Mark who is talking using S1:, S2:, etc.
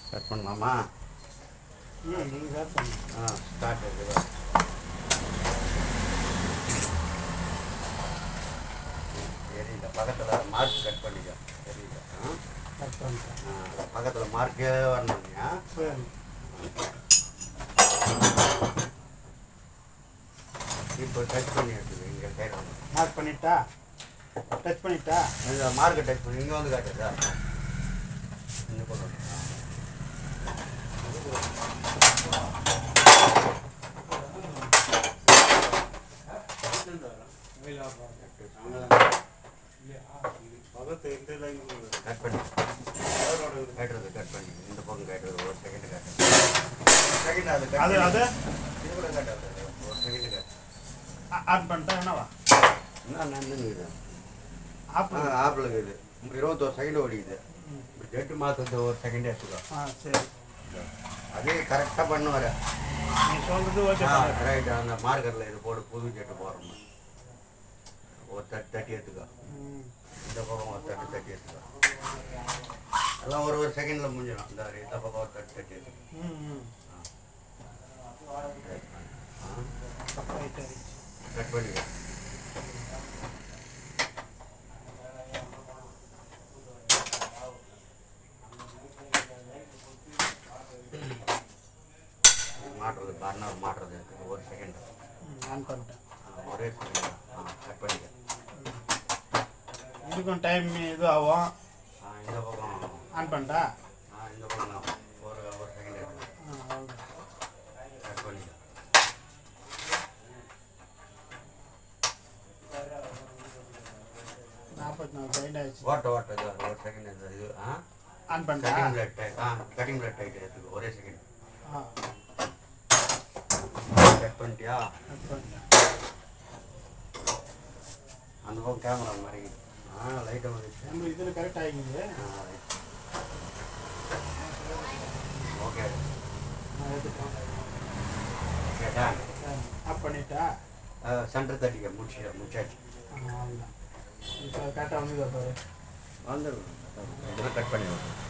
S1: Cut பண்ணலாமா?
S2: நீங்கள் start பண்ணுங்க.
S1: ஸ்டார்ட் இருக்குது. தெரியல, பக்கத்தில் மார்க் கட் பண்ணிக்க. தெரியல.
S2: கட் பண்ணிட்டேன்.
S1: பக்கத்தில் மார்க்கே வரணுங்க.
S2: சரி.
S1: இப்போ டச் பண்ணி எடுத்துது இங்கே கையில்.
S2: மார்க் பண்ணிட்டா? டச் பண்ணிட்டா?
S1: இந்த மார்க்கை டச் பண்ணி இங்கே வந்து காட்டுதா? இங்கே கொண்டு கட் பண்ணி கட்டுறது, கட் பண்ணி இந்த பக்கம் கட்டுறது. ஒரு செகண்ட் கட்டுறது. செகண்ட் அது
S2: அது அது
S1: இது கூட கட்டாது. ஒரு செகண்ட் கட்டு.
S2: ஆன் பண்ணிட்டா என்னவா?
S1: என்ன நன்னுங்குது?
S2: ஆப்பிள்.
S1: ஆப்பிள் இருக்குது. 21 செகண்ட் ஓடிக்குது. ஜெட்டு மாதத்து ஒரு செகண்ட் எடுத்துக்கோ.
S2: சரி.
S1: அதே கரெக்டாக பண்ணுவார்.
S2: நீ சொல்கிறது ஓகே.
S1: ரைட்டு. அந்த மார்க்கரில் இது போட்டு புது ஜெட்டு போடுறோம். ஒரு தட்டி எடுத்துக்கோ. இந்த பக்கம் ஒரு தட்டி எடுத்துக்கோ. எல்லாம் ஒரு செகண்டில் முடிஞ்சிடும். இந்த பக்கம் ஒரு தட்டி எடுத்துக்கோ. கட் பண்ணிக்கோ. மாட்டுறது பர்னர் மாட்டுறது ஒரு செகண்ட்.
S2: ஆன் பண்ணிட்டேன்.
S1: ஒரே செகண்ட். கட் பண்ணிக்க.
S2: இதுக்கும் டைம் இது ஆகும்.
S1: இந்த பக்கம்
S2: ஆன் பண்ணிட்டா?
S1: இந்த பக்கம் ஒரு செகண்ட் எடுத்து கட் பண்ணிக்க.
S2: 44 செகண்ட் ஆயிடுச்சு.
S1: ஓட்ட இது ஒரு செகண்ட். இது
S2: ஆன் பண்ணிட்டா?
S1: கட்டிங் பிளேட் டைட் எடுத்துக்கோ. ஒரே செகண்ட். கட் பண்ணிட்டியா?
S2: கட் பண்ணிட்டேன்.
S1: அந்த பக்கம் கேமரா மாதிரி லைட்டாக வந்துச்சு.
S2: நம்ம இதில் கரெக்ட் ஆகிக்குது.
S1: ஓகே.
S2: நான் எடுத்துட்டேன்.
S1: கேட்டா
S2: ஆஃப் பண்ணிட்டா?
S1: சென்டர் தட்டிக்க. முடிச்சாச்சு.
S2: அவ்வளோதான். இப்போ கரெக்டாக வந்து பாரு.
S1: வந்துடும். இதெல்லாம் கட் பண்ணி